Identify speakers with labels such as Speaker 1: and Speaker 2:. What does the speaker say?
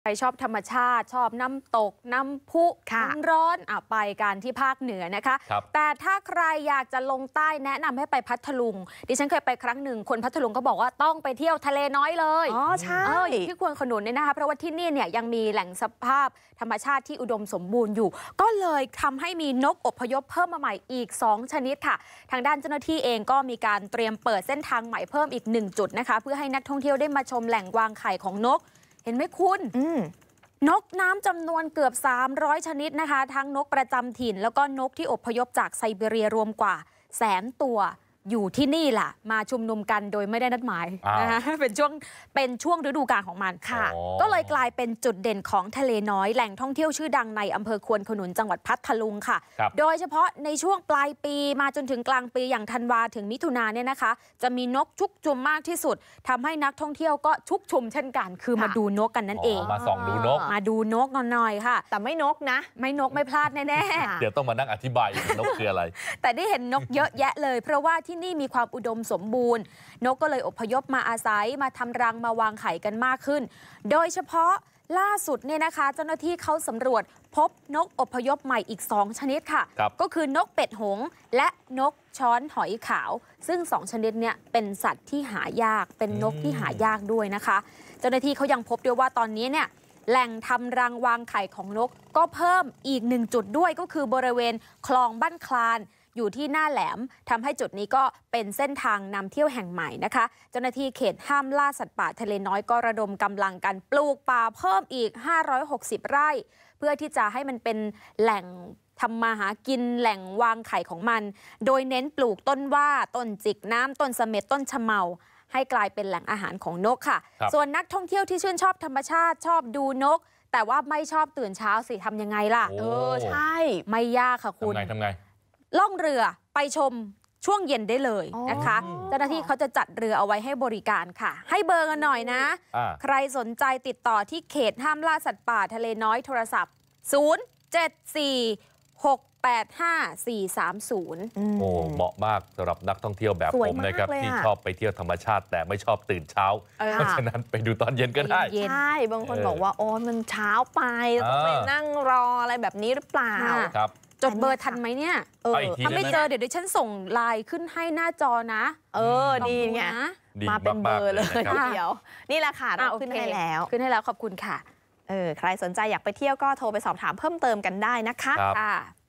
Speaker 1: ใครชอบธรรมชาติชอบน้ำตกน้ำพุน้ำร้อนไปกันที่ภาคเหนือนะคะแต่ถ้าใครอยากจะลงใต้แนะนำให้ไปพัทลุงดิฉันเคยไปครั้งหนึ่งคนพัทลุงก็บอกว่าต้องไปเที่ยวทะเลน้อยเลย
Speaker 2: ใช่
Speaker 1: ที่ควนขนุนเนี่ยนะคะเพราะว่าที่นี่เนี่ยยังมีแหล่งสภาพธรรมชาติที่อุดมสมบูรณ์อยู่ก็เลยทำให้มีนกอพยพเพิ่มมาใหม่อีก2ชนิดค่ะทางด้านเจ้าหน้าที่เองก็มีการเตรียมเปิดเส้นทางใหม่เพิ่มอีก1จุดนะคะเพื่อให้นักท่องเที่ยวได้มาชมแหล่งวางไข่ของนกเห็นไหมคุณนกน้ำจำนวนเกือบ300ชนิดนะคะทั้งนกประจำถิ่นแล้วก็นกที่อพยพจากไซบีเรียรวมกว่า100,000 ตัวอยู่ที่นี่แหละมาชุมนุมกันโดยไม่ได้นัดหมายนะคะเป็นช่วงฤดูกาลของมันค่ะก็เลยกลายเป็นจุดเด่นของทะเลน้อยแหล่งท่องเที่ยวชื่อดังในอำเภอควนขนุนจังหวัดพัทลุงค่ะโดยเฉพาะในช่วงปลายปีมาจนถึงกลางปีอย่างธันวาถึงมิถุนาเนี่ยนะคะจะมีนกชุกชุมมากที่สุดทำให้นักท่องเที่ยวก็ชุกชุมเช่นกันคือมาดูนกกันนั่นเอง
Speaker 3: มาส่องดูนก
Speaker 1: มาดูนกหน่อยค่ะ
Speaker 2: แต่ไม่นกนะ
Speaker 1: ไม่นกไม่พลาดแน่
Speaker 3: ๆเดี๋ยวต้องมานั่งอธิบายนกคืออะไร
Speaker 1: แต่ได้เห็นนกเยอะแยะเลยเพราะว่าที่นี่มีความอุดมสมบูรณ์นกก็เลยอพยพมาอาศัยมาทำรังมาวางไข่กันมากขึ้นโดยเฉพาะล่าสุดเนี่ยนะคะเจ้าหน้าที่เขาสำรวจพบนกอพยพใหม่อีก2ชนิดค่ะก็คือนกเป็ดหงส์และนกช้อนหอยขาวซึ่ง2ชนิดเนี่ยเป็นสัตว์ที่หายากเป็นนกที่หายากด้วยนะคะเจ้าหน้าที่เขายังพบด้วยว่าตอนนี้เนี่ยแหล่งทำรังวางไข่ของนกก็เพิ่มอีก1จุดด้วยก็คือบริเวณคลองบ้านคลานอยู่ที่หน้าแหลมทำให้จุดนี้ก็เป็นเส้นทางนำเที่ยวแห่งใหม่นะคะเจ้าหน้าที่เขตห้ามล่าสัตว์ป่าทะเลน้อยก็ระดมกำลังกันปลูกป่าเพิ่มอีก560ไร่เพื่อที่จะให้มันเป็นแหล่งทำมาหากินแหล่งวางไข่ของมันโดยเน้นปลูกต้นว่าต้นจิกน้ำต้นเสม็ดต้นชะเมาให้กลายเป็นแหล่งอาหารของนกค่ะส่วนนักท่องเที่ยวที่ชื่นชอบธรรมชาติชอบดูนกแต่ว่าไม่ชอบตื่นเช้าสิทำยังไงล่ะ
Speaker 2: ใช่
Speaker 1: ไม่ยากค่ะคุณ
Speaker 3: ทำไง
Speaker 1: ล่องเรือไปชมช่วงเย็นได้เลยนะคะเจ้าหน้าที่เขาจะจัดเรือเอาไว้ให้บริการค่ะให้เบอร์กันหน่อยนะใครสนใจติดต่อที่เขตห้ามล่าสัตว์ป่าทะเลน้อยโทรศัพท์074-685-430
Speaker 3: เหมาะมากสำหรับนักท่องเที่ยวแบบผมนะครับที่ชอบไปเที่ยวธรรมชาติแต่ไม่ชอบตื่นเช้าเพราะฉะนั้นไปดูตอนเย็นก็ได้
Speaker 2: ใช่บางคนบอกว่าโอ้มันเช้าไปต้องไปนั่งรออะไรแบบนี้หรือเปล่า
Speaker 1: ครับจดเบอร์ทันไหมเนี่ยถ้าไม่เจอเดี๋ยวดิฉันส่งไลน์ขึ้นให้หน้าจอนะ
Speaker 2: ดีไงมาเป็นเบอร์เลยเดี๋ยวนี่แหละค่ะเราขึ้นให้แล้ว
Speaker 1: ขอบคุณค่ะ
Speaker 2: ใครสนใจอยากไปเที่ยวก็โทรไปสอบถามเพิ่มเติมกันได้นะคะ